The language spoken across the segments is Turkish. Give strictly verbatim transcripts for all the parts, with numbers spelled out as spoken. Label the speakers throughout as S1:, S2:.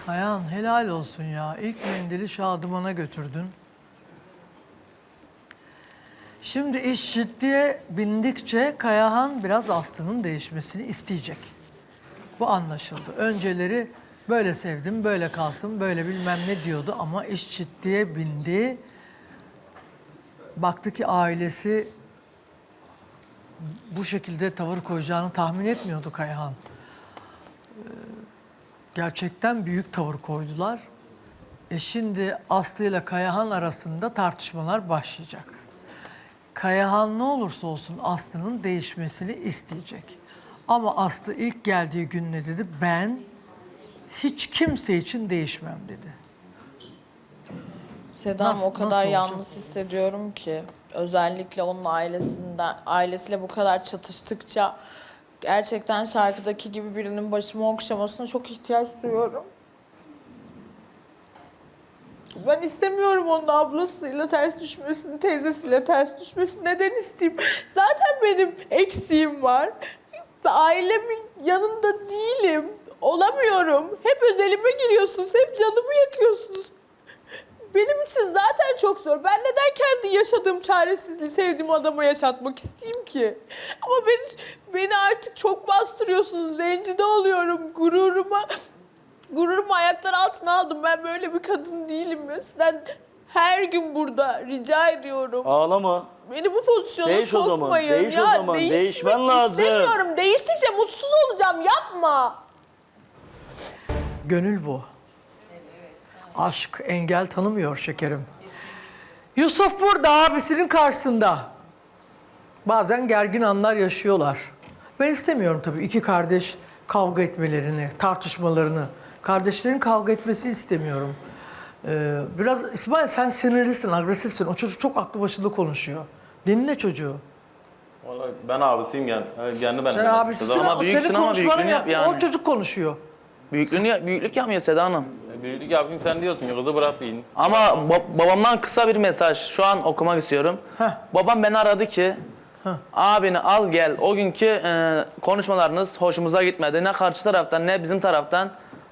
S1: Kayahan helal olsun ya. İlk mendili Şadıman'a götürdün. Şimdi iş ciddiye bindikçe Kayahan biraz Aslı'nın değişmesini isteyecek. Bu anlaşıldı. Önceleri böyle sevdim, böyle kalsın, böyle bilmem ne diyordu ama iş ciddiye bindi. Baktı ki ailesi bu şekilde tavır koyacağını tahmin etmiyordu Kayahan. Gerçekten büyük tavır koydular. E şimdi Aslı ile Kayahan arasında tartışmalar başlayacak. Kayahan ne olursa olsun Aslı'nın değişmesini isteyecek. Ama Aslı ilk geldiği gün ne dedi? Ben hiç kimse için değişmem dedi.
S2: Sedam
S1: Na-
S2: o kadar
S1: nasıl
S2: yalnız
S1: olacak?
S2: hissediyorum ki. Özellikle onun ailesinden, ailesiyle bu kadar çatıştıkça gerçekten şarkıdaki gibi birinin başımı okşamasına çok ihtiyaç duyuyorum. Ben istemiyorum onun ablasıyla ters düşmesini, teyzesiyle ters düşmesini. Neden isteyeyim? Zaten benim eksiğim var. Ailemin yanında değilim. Olamıyorum. Hep özelime giriyorsunuz, hep canımı yakıyorsunuz. Benim için zaten çok zor. Ben neden kendi yaşadığım çaresizliği sevdiğim adama yaşatmak isteyeyim ki? Ama beni, beni artık çok bastırıyorsunuz. Rencide oluyorum. Gururuma, gururumu ayaklar altına aldım. Ben böyle bir kadın değilim ya. Sizden her gün burada rica ediyorum.
S3: Ağlama.
S2: Beni bu pozisyona
S3: Değiş o zaman,
S2: sokmayın.
S3: değiş o
S2: ya,
S3: zaman,
S2: değişmek
S3: değişmen lazım.
S2: istemiyorum. Değiştikçe mutsuz olacağım. Yapma.
S1: Gönül bu. Aşk engel tanımıyor şekerim. Yusuf burada abisinin karşısında. Bazen gergin anlar yaşıyorlar. Ben istemiyorum tabii iki kardeş kavga etmelerini, tartışmalarını. Kardeşlerin kavga etmesi istemiyorum. Ee, biraz İsmail sen sinirlisin, agresifsin. O çocuk çok aklı başında konuşuyor. Dinle çocuğu.
S3: Vallahi ben abisiyim yani. Kendi benim.
S1: Sen abisisin
S3: Ama
S1: ama
S3: büyüksün
S1: senin
S3: ama
S1: konuşmanı
S3: büyüklüğünü
S1: yap.
S3: yap yani.
S1: O çocuk konuşuyor.
S3: Büyüklüğünü, büyüklük yapmıyor Seda Hanım. E, büyüklük yapayım sen diyorsun ya kızı bırak deyin. Ama ba- babamdan kısa bir mesaj şu an okumak istiyorum.
S1: Heh.
S3: Babam beni aradı ki
S1: Heh.
S3: abini al gel. O günkü e, konuşmalarınız hoşumuza gitmedi. Ne karşı taraftan ne bizim taraftan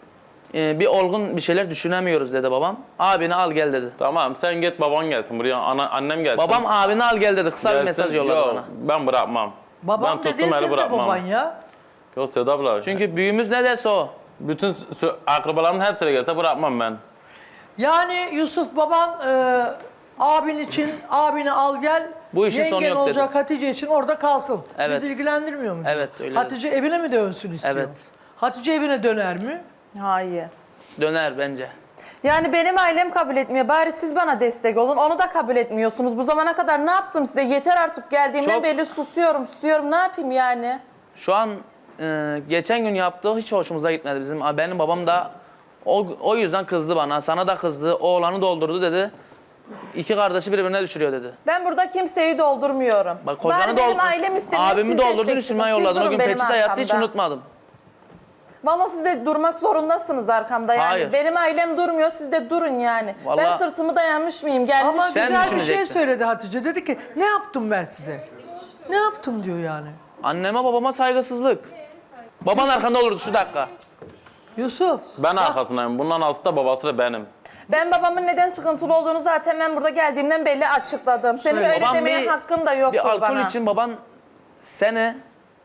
S3: e, bir olgun bir şeyler düşünemiyoruz dedi babam. Abini al gel dedi.
S4: Tamam sen git baban gelsin buraya ana, annem gelsin.
S3: Babam abini al gel dedi. Kısa bir
S4: gelsin.
S3: mesaj yolladı
S4: Yok,
S3: bana.
S4: ben bırakmam.
S1: Babam
S4: ben
S1: dediğin
S4: tuttum eli
S1: senin de
S4: bırakmam.
S1: baban ya.
S4: Yok Seda abla. Çünkü
S3: Çünkü büyüğümüz ne derse o.
S4: bütün sü- akrabalarımın hepsine gelse bırakmam ben.
S1: Yani Yusuf baban e, abin için abini al gel.
S3: Bu işin sonu
S1: yengen
S3: yok
S1: olacak
S3: dedi.
S1: Hatice için orada kalsın.
S3: Evet.
S1: Bizi ilgilendirmiyor mu? diyor.
S3: Evet, öyle
S1: Hatice evine mi dönsün istiyor?
S3: Evet.
S1: Hatice evine döner mi?
S5: Hayır.
S3: Döner bence.
S5: Yani benim ailem kabul etmiyor. Bari siz bana destek olun. Onu da kabul etmiyorsunuz. Bu zamana kadar ne yaptım size? Yeter artık geldiğimden
S3: Çok-
S5: beri susuyorum, susuyorum. Ne yapayım yani?
S3: Şu an e, geçen gün yaptığı hiç hoşumuza gitmedi bizim. Benim babam da o, o yüzden kızdı bana. Sana da kızdı. Oğlanı doldurdu dedi. İki kardeşi birbirine düşürüyor dedi.
S5: Ben burada kimseyi doldurmuyorum.
S3: Bak kocanı
S5: Bari benim
S3: doldur-
S5: ailem istemiyor.
S3: Abimi
S5: siz
S3: doldurdun
S5: destek
S3: üstünden
S5: çıkın. Siz
S3: yolladın. O
S5: durun
S3: gün
S5: benim
S3: peçete yattı hiç
S5: arkamda.
S3: unutmadım.
S5: Vallahi siz de durmak zorundasınız arkamda yani.
S3: Hayır.
S5: Benim ailem durmuyor, siz de durun yani. Ben
S3: Vallahi-
S5: sırtımı dayanmış mıyım? Gelmiş.
S1: Ama
S3: Sen
S1: güzel bir şey
S3: düşünecektin.
S1: söyledi Hatice. Dedi ki ne yaptım ben size? Ne yaptım diyor yani.
S3: Anneme babama saygısızlık. Baban arkanda olurdu şu dakika.
S1: Yusuf.
S4: Ben arkasındayım. Bundan aslı da babası da benim.
S5: Ben babamın neden sıkıntılı olduğunu zaten ben burada geldiğimden belli açıkladım. Senin
S1: Söyle.
S5: öyle
S3: Babam
S5: demeye
S3: bir-
S5: hakkın da yoktur
S3: Bir alkol
S5: bana.
S3: için baban seni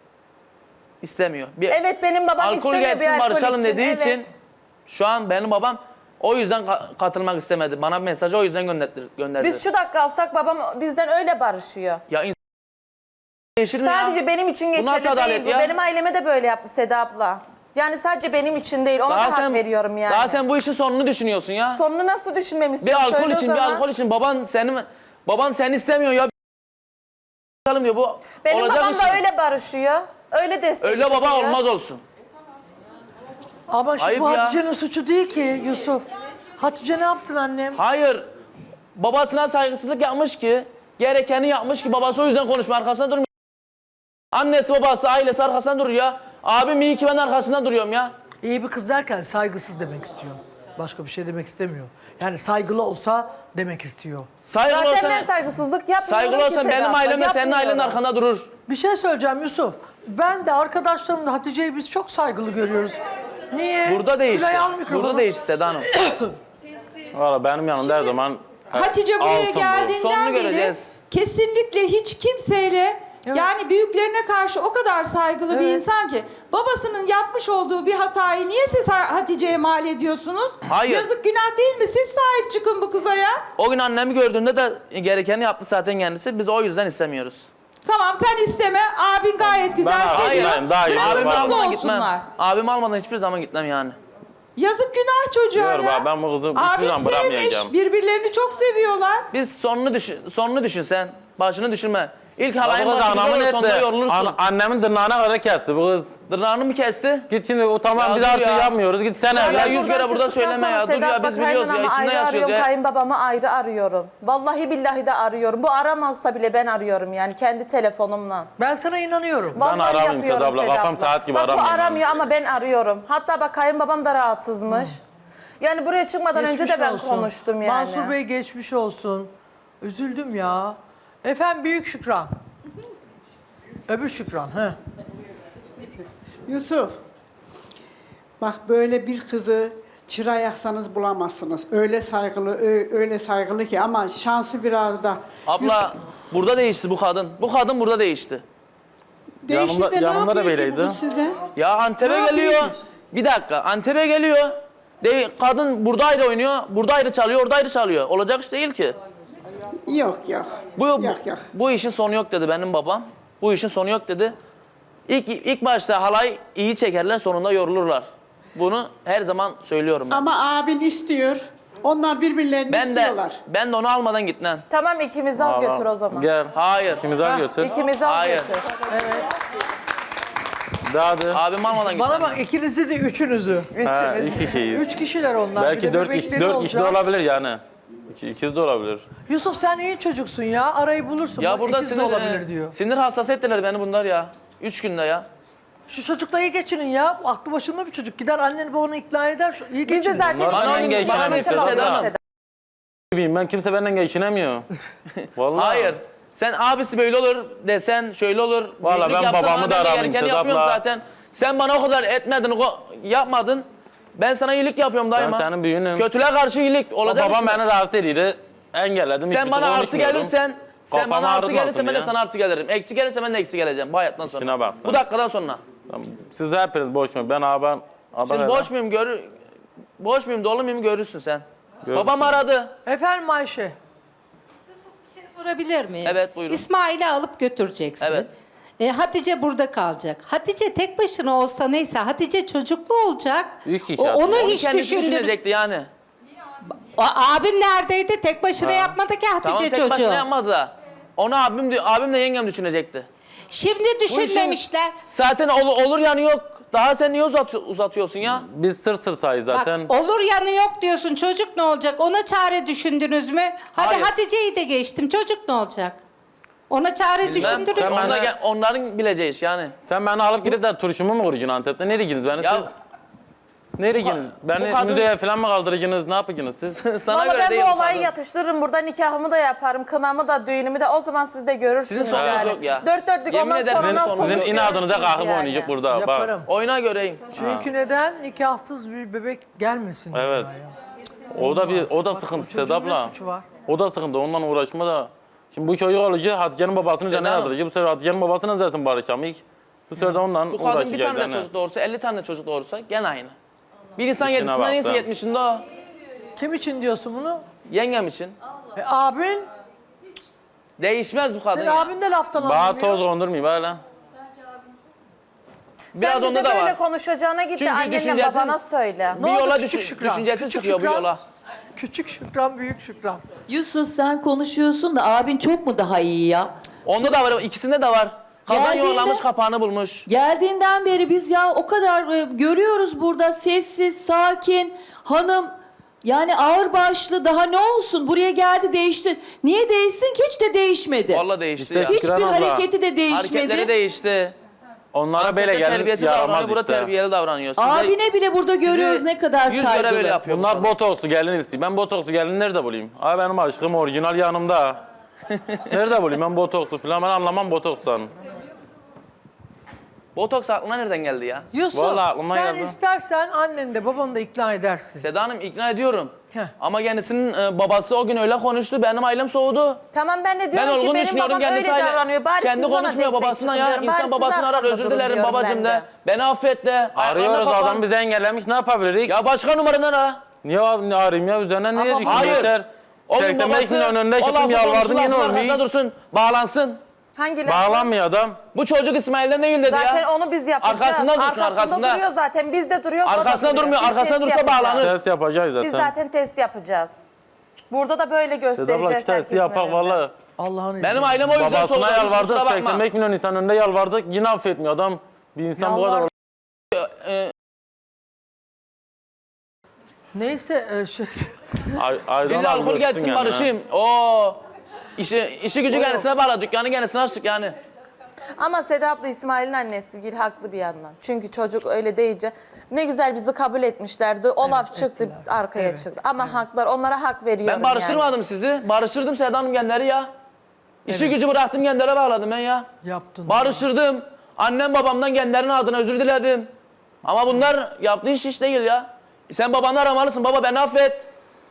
S3: istemiyor. Bir
S5: Evet benim babam
S3: alkol
S5: istemiyor bir
S3: gelsin
S5: alkol
S3: barışalım
S5: için.
S3: dediği
S5: evet.
S3: için şu an benim babam o yüzden ka- katılmak istemedi. Bana bir mesajı o yüzden gönderdi. gönderdi.
S5: Biz şu dakika alsak babam bizden öyle barışıyor.
S3: Ya insan değişir mi ya?
S5: Sadece benim için
S3: Bu nasıl
S5: geçerli
S3: adalet
S5: değil bu.
S3: ya?
S5: Benim aileme de böyle yaptı Seda abla. Yani sadece benim için değil ona da hak veriyorum yani.
S3: Daha sen bu işin sonunu düşünüyorsun ya.
S5: Sonunu nasıl düşünmemi
S3: Bir
S5: istiyorsun?
S3: alkol
S5: Söyle o
S3: için, bir
S5: zaman.
S3: alkol için baban seni baban seni istemiyor ya. Bakalım diyor bu
S5: Benim
S3: olacak
S5: babam
S3: iş
S5: da
S3: mi?
S5: öyle barışıyor. Öyle destek
S3: Öyle baba
S5: çıkıyor.
S3: olmaz olsun.
S1: Ama şimdi
S3: Ayıp
S1: bu
S3: ya.
S1: Hatice'nin suçu değil ki Yusuf. Hatice ne yapsın annem?
S3: Hayır. Babasına saygısızlık yapmış ki, gerekeni yapmış ki babası o yüzden konuşma arkasında durmuyor. Annesi, babası, ailesi arkasında duruyor ya. Abim iyi ki ben arkasında duruyorum ya.
S1: İyi bir kız derken saygısız demek istiyor. Başka bir şey demek istemiyor. Yani saygılı olsa demek istiyor.
S3: Saygılı
S5: Zaten
S3: olsan,
S5: ben saygısızlık yapmıyorum
S3: saygılı
S5: ki
S3: olsan
S5: Seda
S3: benim
S5: abla,
S3: ailem de senin ailenin
S5: yapmıyorum.
S3: arkanda durur.
S1: Bir şey söyleyeceğim Yusuf. Ben de arkadaşlarımla Hatice'yi biz çok saygılı görüyoruz. Niye?
S3: Burada değişti.
S1: Tülay al mikrofonu.
S3: Burada değişti Seda Hanım.
S4: Valla benim yanımda her zaman
S6: Hatice buraya
S4: altın bu.
S6: geldiğinden
S3: Sonunu
S6: beri
S3: göreceğiz.
S6: kesinlikle hiç kimseyle yani büyüklerine karşı o kadar saygılı bir
S1: Evet.
S6: insan ki babasının yapmış olduğu bir hatayı niye siz Hatice'ye mal ediyorsunuz?
S3: Hayır.
S6: Yazık günah değil mi? Siz sahip çıkın bu kıza ya.
S3: O gün annemi gördüğünde de gerekeni yaptı zaten kendisi. Biz o yüzden istemiyoruz.
S6: Tamam sen isteme. Abin gayet güzel
S4: Ben
S6: seviyor.
S4: hayır, daha iyi.
S6: Bırakın
S3: Abimi
S4: Abim
S6: mutlu
S3: almadan gitmem.
S6: olsunlar.
S3: Abimi almadan hiçbir zaman gitmem yani.
S6: Yazık günah çocuğa
S4: Diyorum
S6: ya.
S4: abi, ben bu kızı hiçbir
S6: Abin
S4: zaman bırakmayacağım.
S6: sevmiş. Birbirlerini çok seviyorlar.
S3: Biz sonunu düşün, sonunu düşün sen. Başını düşünme. İlk
S4: Bu
S3: halayın
S4: kız
S3: başı
S4: anamın
S3: güzel olur, sonunda
S4: etti.
S3: yorulursun.
S4: An- annemin tırnağına kadar kesti bu kız.
S3: Tırnağını mı kesti?
S4: Git şimdi o tamam
S3: Ya
S4: biz
S3: dur
S4: artık
S3: ya.
S4: yapmıyoruz. Git sen
S3: Ya
S4: evlen.
S3: yüz kere burada
S5: çıktıktan
S3: söyleme ya.
S5: sonra
S3: Dur ya,
S5: Sedat
S3: biz
S5: bak,
S3: biliyoruz ya,
S5: kaynanamı
S3: içinde
S5: ayrı
S3: yaşıyoruz
S5: arıyorum,
S3: ya.
S5: kayınbabamı ayrı arıyorum. Vallahi billahi de arıyorum. Bu aramazsa bile ben arıyorum yani kendi telefonumla.
S1: Ben sana inanıyorum.
S5: Vallahi
S4: aramayayım
S5: yapıyorum
S4: Sedat abla,
S5: Sedat
S4: kafam
S5: abla.
S4: saat gibi
S5: bak, bu
S4: aramıyorum
S5: aramıyor ama ben arıyorum. Hatta bak kayınbabam da rahatsızmış. Yani buraya çıkmadan önce
S1: Geçmiş
S5: de ben
S1: olsun.
S5: konuştum yani.
S1: Mansur Bey geçmiş olsun. Üzüldüm ya. Efendim Büyük Şükran. Öbür Şükran. He.
S7: Yusuf, bak böyle bir kızı çıra yaksanız bulamazsınız. Öyle saygılı, ö- öyle saygılı ki ama şansı biraz da.
S3: Abla burada değişti bu kadın. Bu kadın burada değişti.
S7: Değişti
S4: Yanımda-
S7: de ne
S4: yanımda da
S7: yapıyor ki
S4: böyleydi.
S7: bu kız size?
S3: Ya Antep'e
S7: Ne
S3: geliyor.
S7: yapıyor ki?
S3: Bir dakika Antep'e geliyor. De, kadın burada ayrı oynuyor, burada ayrı çalıyor, orada ayrı çalıyor. Olacak iş değil ki.
S7: Yok yok.
S3: Bu,
S7: Yok yok.
S3: bu işin sonu yok dedi benim babam. Bu işin sonu yok dedi. İlk, ilk başta halay iyi çekerler, sonunda yorulurlar. Bunu her zaman söylüyorum ben.
S7: Ama abin istiyor. Onlar birbirlerini
S3: Ben de,
S7: istiyorlar.
S3: ben de onu almadan gitmem.
S5: Tamam ikimizi al götür o zaman.
S4: Gel.
S3: Hayır.
S4: İkimizi al götür.
S5: İkimizi al
S3: Hayır.
S5: götür.
S4: Daha da.
S3: Abim almadan gitmem.
S1: Bana bak ikinizi de üçünüzü.
S4: Ha,
S5: Üçümüz.
S4: iki kişiyiz.
S1: Üç kişiler onlar. Bir
S4: Belki
S1: de
S4: dört
S1: bebekleri
S4: kişi, dört kişi de
S1: olacak.
S4: olabilir yani. İki, ikiz de olabilir.
S1: Yusuf sen iyi çocuksun ya. Arayı bulursun.
S3: Ya
S1: Bak,
S3: burada
S1: ikiz de
S3: sinir,
S1: olabilir
S3: e,
S1: diyor.
S3: sinir hassas ettiler beni bunlar ya. Üç günde ya.
S1: Şu çocukla iyi geçinin ya. Aklı başında bir çocuk. Gider anneni babanı ikna eder. Şu- İyi
S5: Biz de
S1: geçinin.
S5: zaten
S4: Bana
S5: ikimiz-
S4: hangi
S5: bana
S4: geçinemez
S5: mesela
S3: Sedat?
S5: olmaz Sedat.
S4: Bileyim ben kimse benden geçinemiyor. Vallahi.
S3: Hayır. Sen abisi böyle olur desen şöyle olur.
S4: Vallahi
S3: Büyüklük
S4: ben
S3: yapsan
S4: babamı
S3: ben
S4: da
S3: de
S4: aramayayım
S3: gerekeni
S4: Sedat
S3: yapıyorum
S4: abla.
S3: zaten. Sen bana o kadar etmedin, o- yapmadın. Ben sana iyilik yapıyorum daima.
S4: senin büyüğünüm.
S3: Kötülüğe karşı iyilik
S4: O
S3: olacak.
S4: babam
S3: mısın?
S4: beni rahatsız ediyordu. Engelledim.
S3: Sen
S4: hiçbir
S3: bana
S4: türlü
S3: artı
S4: konuşmuyorum.
S3: gelirsen, sen
S4: Kafamı
S3: bana artı
S4: ağrıtmasın
S3: gelirsen ben de
S4: ya.
S3: sana artı gelirim. Eksi gelirse ben de eksi geleceğim bu hayattan sonra.
S4: İşine bak sen.
S3: Bu dakikadan sonra.
S4: Tamam. Siz hepiniz boş mu? Ben abi. abi
S3: Şimdi boş muyum gör boş muyum dolu muyum görürsün sen.
S4: Görürsün.
S3: Babam aradı.
S1: Efendim Ayşe.
S8: Bir şey sorabilir miyim?
S3: Evet, buyurun.
S8: İsmail'i alıp götüreceksin.
S3: Evet.
S8: E, Hatice burada kalacak. Hatice tek başına olsa neyse Hatice çocuklu olacak.
S4: Üç kişi
S8: O-
S4: yapıyor.
S8: onu
S3: Onu
S8: hiç
S3: kendisi
S8: düşündür.
S3: düşünecekti yani.
S8: A- Abin neredeydi? Tek başına yapmadı ki Hatice
S3: Tamam tek
S8: çocuğu.
S3: başına yapmadı da. Onu abim diyor, abim de yengem düşünecekti.
S8: Şimdi düşünmemişler.
S3: Zaten ol- olur yani yok. Daha sen niye uzat uzatıyorsun ya?
S4: Biz sır sır sayı
S8: Bak,
S4: zaten.
S8: olur yanı yok diyorsun. Çocuk ne olacak? Ona çare düşündünüz mü? Hadi
S3: Hayır.
S8: Hatice'yi de geçtim. Çocuk ne olacak? Ona çare
S3: Ben,
S8: düşündünüz
S4: sen
S8: mü?
S3: onla
S4: bana-
S3: gel- onların bileceği iş yani.
S4: Sen beni alıp gidip de turşumu mu kuracaksın Antep'te? Nereye gittiniz beni
S3: Ya-
S4: siz? Nereye gittiniz? Beni
S3: bu kadın-
S4: müzeye falan mı kaldıracaksınız? Ne yapacaksınız siz?
S3: Sana
S5: Valla
S3: göre
S5: ben
S3: değil
S5: bu olayı
S3: kadın.
S5: yatıştırırım. Burada nikahımı da yaparım. Kınamı da, düğünümü de. O zaman siz de görürsünüz
S3: Sizin sonunuz
S5: yani.
S3: yok ya.
S5: Dört dörtlük
S3: Yemin
S5: ondan
S3: ederim
S5: sonra
S3: sizin
S5: nasıl
S3: sonunuz
S5: olur
S4: Sizin inadınıza
S5: görürsünüz
S4: kalkıp
S5: yani.
S4: oynayacak burada.
S1: Yaparım.
S4: Bak.
S3: Oyuna göreyim.
S1: Çünkü neden? Nikahsız bir bebek gelmesin.
S4: Evet.
S1: dünyaya.
S4: O da bir o da
S1: Bak,
S4: sıkıntı
S1: o çocuğun
S4: Sedat
S1: ne
S4: abla.
S1: suçu var?
S4: O da sıkıntı. Ondan uğraşma da. Şimdi bu çocuk olacak. Hatice'nin babasının üzerine
S3: Sedat.
S4: yazılacak. Bu sefer Hatice'nin babasının zaten barışamayız. Bu sefer de ondan
S3: Bu kadın bir
S4: uğraşacağız
S3: tane de
S4: yani.
S3: çocuk doğursa, elli tane de çocuk doğursa gene aynı. Bir insan
S4: İşine
S3: yedisinde neyse
S4: baksan.
S3: yetmişinde o.
S1: Kim için diyorsun bunu?
S3: Yengem için.
S1: E, abin?
S3: Değişmez bu kadın
S1: Senin
S3: ya.
S1: abin de laftan
S4: Bana
S1: anlamıyor.
S4: toz kondurmayayım hala.
S3: Biraz
S5: Sen
S3: onda
S5: bize
S3: da
S5: böyle
S3: var.
S5: konuşacağına git de
S3: Çünkü
S5: annenle
S3: düşüncesiz-
S5: babana söyle.
S3: Bir
S1: oldu
S3: yola
S1: küçük
S3: düşün,
S1: Şükran?
S3: düşüncesi
S1: Küçük
S3: çıkıyor bu
S1: Şükran?
S3: yola.
S1: Küçük Şükran, büyük Şükran.
S9: Yusuf sen konuşuyorsun da abin çok mu daha iyi ya?
S3: Onda da var, ikisinde de var. Kazan
S9: Geldiğinde-
S3: yollamış, kapağını bulmuş.
S9: Geldiğinden beri biz ya o kadar e, görüyoruz burada sessiz, sakin, hanım yani ağırbaşlı daha ne olsun buraya geldi değişti. Niye değişsin ki hiç de değişmedi.
S3: Vallahi değişti
S4: İşte
S3: ya.
S4: Şükran
S9: Hiçbir
S4: abla,
S9: hareketi de değişmedi.
S3: Hareketleri değişti.
S4: Onlara böyle
S3: Antep'te
S4: gelin
S3: terbiyesiz davranıyor,
S4: yaramaz
S3: burada
S4: işte.
S3: terbiyeli davranıyor. Size-
S9: Abine bile burada görüyoruz
S3: sizi
S9: ne kadar
S3: yüz göre
S9: saygılı.
S3: böyle yapıyor. bu
S4: Bunlar
S3: kadın.
S4: botokslu gelin istiyor. Ben botokslu gelin nerede bulayım? Abi benim aşkım orijinal yanımda. Nerede bulayım ben botokslu falan? Ben anlamam botokstan.
S3: Botoks aklına nereden geldi ya?
S1: Yusuf
S4: Vallahi aklıma
S1: sen
S4: geldi.
S1: istersen anneni de babanı da ikna edersin.
S3: Seda Hanım ikna ediyorum.
S1: Heh.
S3: Ama kendisinin e, babası o gün öyle konuştu. Benim ailem soğudu.
S5: Tamam ben de
S3: Ben
S5: diyorum ki
S3: olgun
S5: benim
S3: düşünüyorum
S5: babam öyle
S3: kendisi aile.
S5: davranıyor. Bari
S3: Kendi
S5: siz bana
S3: konuşmuyor
S5: destek
S3: babasından
S5: çıkın
S3: ya.
S5: diyorum. Bari
S3: İnsan
S5: siz
S3: babasını arar
S5: arkamda
S3: özür
S5: durun
S3: dilerim
S5: diyorum
S3: babacım
S5: ben
S3: de. Beni affet de. Ayaklarına
S4: Arıyoruz
S3: kapan.
S4: adam bizi engellemiş ne yapabiliriz?
S3: Ya başka numaradan ara.
S4: Niye abi- arayayım ya üzerine niye
S1: Ama
S4: düşün
S3: hayır.
S4: yeter.
S3: O gün
S4: seksen beş
S3: babası
S4: milyon önünde
S3: o
S4: çıktım
S3: lafı
S4: yalvardım
S3: konuştu,
S4: yine
S3: lafın arkasında
S4: olmuyor.
S3: dursun. Bağlansın.
S5: Hangi laf?
S4: Bağlanmıyor adam.
S3: Bu çocuk İsmail'den değil dedi
S5: Zaten
S3: ya.
S5: onu biz yapacağız.
S3: Arkasında dursun,
S5: arkasında
S3: arkasında.
S5: duruyor zaten. Biz de duruyoruz. o da
S3: Arkasında
S5: duruyor.
S3: durmuyor,
S5: Biz
S3: arkasında
S5: test
S3: dursa
S5: yapacağız.
S3: bağlanır.
S4: Test yapacağız zaten.
S5: Biz zaten test yapacağız. Burada da böyle
S4: Seda abla
S5: göstereceğiz
S4: şu testi
S5: herkesin
S4: yapak
S5: önünde.
S4: valla.
S1: Allah'ın izniyle.
S3: Benim ailem o yüzden soğudu.
S4: Babasına
S3: Kusura
S4: yalvardık
S3: bakma.
S4: seksen beş milyon insan önünde yalvardık yine affetmiyor adam. Bir insan bu
S1: Yalvar-
S4: kadar
S3: Ee,
S1: Neyse e, şey,
S4: Ay, aydan
S3: Bir de
S4: al
S3: alkol
S4: götürsün
S3: gelsin
S4: yani, ha.
S3: barışayım. Oo. İşi, işi gücü kendisine bağla. Dükkanı kendisine açtık yani.
S5: Ama Seda abla İsmail'in annesi Gül haklı bir yandan. Çünkü çocuk öyle deyince ne güzel bizi kabul etmişlerdi. O laf çıktı
S1: ettiler.
S5: arkaya
S1: Evet,
S5: çıktı. Ama haklar onlara hak veriyorum
S3: Ben barıştırmadım
S5: yani.
S3: sizi. Barıştırdım Seda Hanım kendileri ya. İşi gücü bıraktım kendilere bağladım ben ya.
S1: yaptın.
S3: Barıştırdım. Annem babamdan kendilerinin adına özür diledim. Ama bunlar yaptığı iş iş değil ya. Sen babanı aramalısın. Baba beni affet.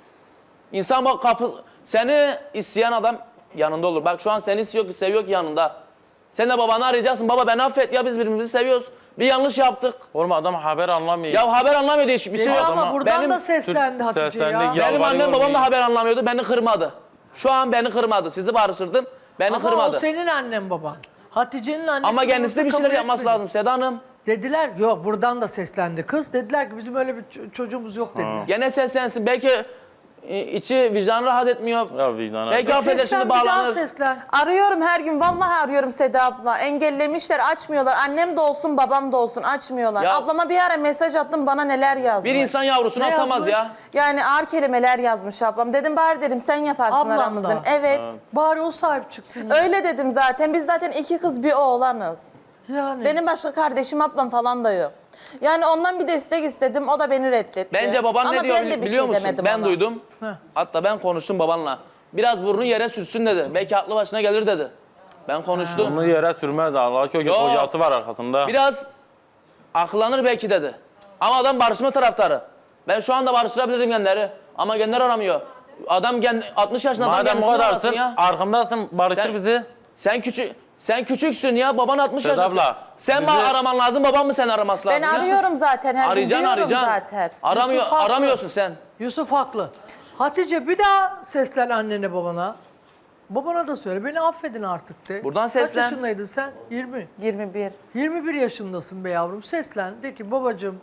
S3: İnsan bak kapı... Seni isteyen adam yanında olur. Bak şu an seni istiyor ki seviyor ki yanında. Sen de babanı arayacaksın. Baba beni affet ya biz birbirimizi seviyoruz. Bir yanlış yaptık.
S4: Oğlum adam haber anlamıyor.
S3: Ya haber anlamıyor değişik bir şey
S1: Dedi
S3: yok.
S1: ama
S4: adama-
S1: buradan
S3: Benim-
S1: da seslendi Hatice
S4: Seslendi,
S1: ya.
S4: ya.
S3: Benim
S4: Yalvarıyor
S3: annem babam
S4: olmayı.
S3: da haber anlamıyordu. Beni kırmadı. Şu an beni kırmadı. Sizi barıştırdım. Beni
S1: Ama
S3: kırmadı.
S1: o senin annen baban. Hatice'nin annesi
S3: Ama kendisi de
S1: babası
S3: bir
S1: kabul
S3: şeyler yapması
S1: etmedi.
S3: lazım Seda Hanım.
S1: Dediler yok buradan da seslendi kız. Dediler ki bizim öyle bir ç- çocuğumuz yok dediler.
S3: Gene seslensin. Belki e, içi vicdanı rahat etmiyor.
S4: Ya vicdana.
S3: Belki affeder
S1: Seslen
S3: şimdi
S1: bir daha
S3: bağlanır.
S1: seslen.
S5: Arıyorum her gün. Vallahi arıyorum Seda abla. Engellemişler açmıyorlar. Annem de olsun babam da olsun açmıyorlar.
S3: Ya-
S5: Ablama bir ara mesaj attım bana neler yazmış.
S3: Bir insan yavrusunu
S1: Ne
S3: atamaz
S1: yazmış?
S3: ya.
S5: Yani ağır kelimeler yazmış ablam. Dedim bari dedim sen yaparsın
S1: Ablam da.
S5: aramızdan. Evet.
S1: Bari o sahip çıksın.
S5: Öyle dedim zaten. Biz zaten iki kız bir oğlanız.
S1: Yani.
S5: Benim başka kardeşim ablam falan da yok. Yani ondan bir destek istedim. O da beni reddetti.
S3: Bence baban
S5: Ama
S3: ne diyor
S5: ben de bir
S3: biliyor
S5: şey
S3: musun?
S5: demedim
S3: Ben
S5: ona.
S3: duydum.
S1: Heh.
S3: Hatta ben konuştum babanla. Biraz burnu yere sürsün dedi. Belki aklı başına gelir dedi. Ben konuştum.
S4: Bunu yere sürmez Allah ki
S3: Yok.
S4: hocası var arkasında.
S3: Biraz akıllanır belki dedi. Ama adam barışma taraftarı. Ben şu anda barıştırabilirim genleri. Ama genler aramıyor. Adam gen, altmış yaşında adam
S4: Madem bu
S3: kendisini
S4: kadarsın
S3: arasın ya.
S4: arkamdasın barıştır
S3: Sen-
S4: bizi.
S3: Sen küçük sen küçüksün ya. Baban altmış
S4: Seda
S3: yaşında.
S4: abla,
S3: Sen
S4: bizi-
S3: bana araman lazım. Babam mı seni araması lazım?
S5: Ben
S3: ya?
S5: arıyorum zaten. Her gün
S3: Arayacaksın
S5: diyorum
S3: arayacaksın.
S5: zaten.
S3: Aramıyor,
S1: Yusuf haklı.
S3: aramıyorsun sen.
S1: Yusuf haklı. Hatice bir daha seslen annene babana. Babana da söyle beni affedin artık de.
S3: Buradan
S1: Kaç
S3: seslen.
S1: yaşındaydın sen? yirmi.
S5: yirmi bir.
S1: yirmi bir yaşındasın be yavrum. Seslen. De ki babacığım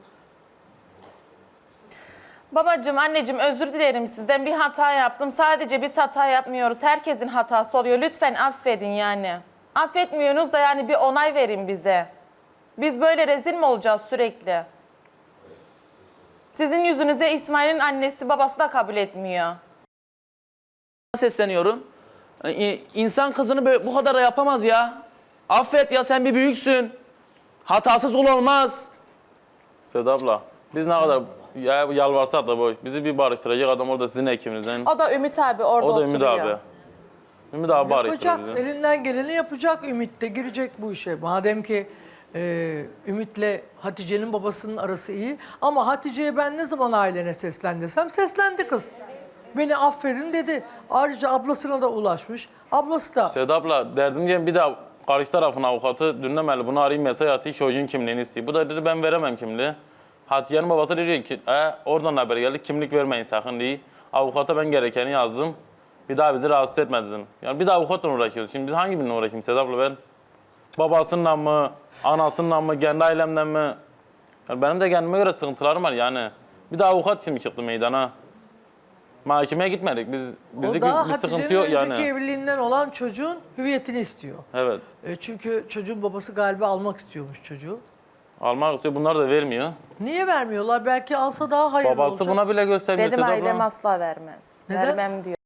S5: Babacığım, anneciğim özür dilerim sizden. Bir hata yaptım. Sadece biz hata yapmıyoruz. Herkesin hatası oluyor. Lütfen affedin yani. Affetmiyorsunuz da yani bir onay verin bize. Biz böyle rezil mi olacağız sürekli? Sizin yüzünüze İsmail'in annesi babası da kabul etmiyor.
S3: Sesleniyorum. Ee, İnsan kızını böyle, bu kadar da yapamaz ya. Affet ya sen bir büyüksün. Hatasız ol olmaz.
S4: Seda abla biz ne kadar ya, yalvarsak da boş. Bizi bir barıştıracak adam orada sizin ekiminizden.
S5: O da Ümit abi orada
S4: O da Ümit
S5: oturuyor.
S4: abi. Ümit abi barıştırır
S1: yapacak.
S4: bizi.
S1: Elinden geleni yapacak. Ümit de girecek bu işe. Madem ki e, Ümit'le Hatice'nin babasının arası iyi. Ama Hatice'ye ben ne zaman ailene seslen desem seslendi kız. Beni affedin dedi. Ayrıca ablasına da ulaşmış. Ablası da
S4: Seda abla derdim ki bir daha karşı tarafın avukatı dinlemeli bunu arayayım mesaj atayım çocuğun kimliğini istiyor. Bu da dedi ben veremem kimliği. Hatice'nin babası diyor ki e, oradan haber geldi kimlik vermeyin sakın diye. Avukata ben gerekeni yazdım. Bir daha bizi rahatsız etme dedim. Yani bir daha avukatla uğraşıyoruz. Şimdi biz hangi birine uğraşayım Seda abla ben? Babasıyla mı, anasıyla mı, kendi ailemden mi? Yani benim de kendime göre sıkıntılarım var yani. Bir daha avukat şimdi çıktı meydana. Mahkemeye gitmedik. Biz
S1: o
S4: bizlik
S1: da
S4: bir, bir sıkıntı
S1: Hatice'nin
S4: yok
S1: önceki
S4: yani.
S1: evliliğinden olan çocuğun hüviyetini istiyor.
S4: Evet.
S1: E, çünkü çocuğun babası galiba almak istiyormuş çocuğu.
S4: Almak istiyor. Bunlar da vermiyor.
S1: Niye vermiyorlar? Belki alsa daha hayırlı
S4: Babası
S1: olacak.
S4: buna bile göstermiyor
S5: Benim
S4: Seda
S5: ailem
S4: abla.
S5: asla vermez.
S1: Neden?
S5: Vermem diyor.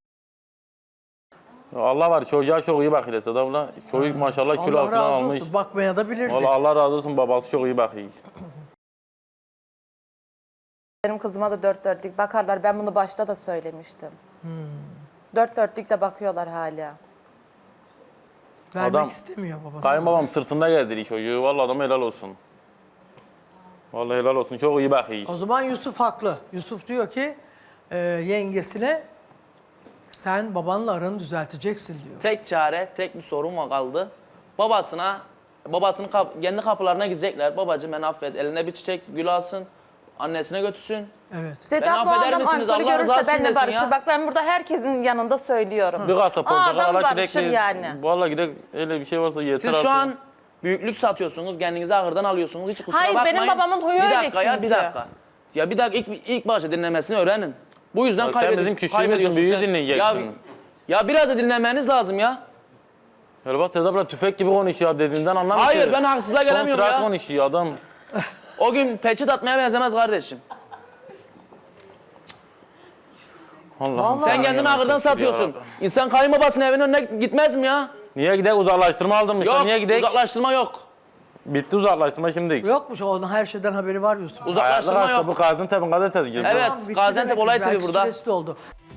S4: Allah var çocuğa çok iyi bakıyor Seda abla. Çocuk maşallah kilo
S1: Allah
S4: falan
S1: razı
S4: almış.
S1: olsun. Bakmaya da bilirdi.
S4: Vallahi Allah razı olsun babası çok iyi bakıyor.
S5: Benim kızıma da dört dörtlük bakarlar. Ben bunu başta da söylemiştim. Dört dörtlük de bakıyorlar hala.
S1: Vermek
S4: Adam-
S1: istemiyor babası.
S4: Kayınbabam sırtında gezdiriyor çocuğu. Vallahi adama helal olsun. Vallahi helal olsun. Çok iyi bakıyor.
S1: O zaman Yusuf haklı. Yusuf diyor ki e, yengesine sen babanla aranı düzelteceksin diyor.
S3: Tek çare, tek bir sorun var kaldı. Babasına, babasının kap- kendi kapılarına gidecekler. Babacığım beni affet, eline bir çiçek, gül alsın, annesine götürsün.
S1: Evet.
S5: Sedat bu
S3: affeder
S5: adam
S3: misiniz?
S5: alkolü
S3: Allah
S5: görürse
S3: rızası
S5: benimle
S3: için desin
S5: barışır.
S3: ya.
S5: Bak ben burada herkesin yanında söylüyorum.
S4: Bir kasa
S5: O
S4: portakal
S5: adam
S4: ala
S5: barışır
S4: gidek.
S5: yani.
S4: Vallahi gidek öyle bir şey varsa yeter
S3: Siz
S4: artık.
S3: şu an büyüklük satıyorsunuz, kendinizi ağırdan alıyorsunuz. Hiç kusura
S5: Hayır,
S3: bakmayın.
S5: benim babamın huyu
S3: bir
S5: öyle
S3: dakika ya, bir
S5: çünkü.
S3: dakika. Ya bir dakika ilk, ilk başta dinlemesini öğrenin. Bu yüzden
S4: Ya sen
S3: kaybedi-
S4: bizim küçüğümüzsün,
S3: kaybediyorsunuz.
S4: büyüğü
S3: Sen-
S4: dinleyeceksin.
S3: Ya, ya biraz da dinlemeniz lazım ya.
S4: Öyle bak Sedat abla tüfek gibi konuşuyor dediğinden anlamıyor
S3: Hayır,
S4: ki.
S3: ben haksızlığa gelemiyorum
S4: Son sürat
S3: ya.
S4: konuşuyor adam.
S3: O gün peçet atmaya benzemez kardeşim.
S4: Allah'ım.
S3: Sen kendini ağırdan satıyorsun. İnsan kayınbabasının evinin önüne gitmez mi ya?
S4: Niye gidek uzaklaştırma aldırmışlar?
S3: Yok,
S4: Niye gidek?
S3: uzaklaştırma yok.
S4: Bitti uzaklaştırma şimdi.
S1: Yokmuş onun her şeyden haberi var Yusuf.
S3: Uzaklaştırma
S4: Ayaklı
S3: yok.
S4: bu Gaziantep'in gazetesi gibi.
S3: Evet,
S1: Tamam, bitti
S3: Gaziantep
S1: demek ki.
S3: olay
S1: Belki
S3: TV burada.
S1: süresi doldu.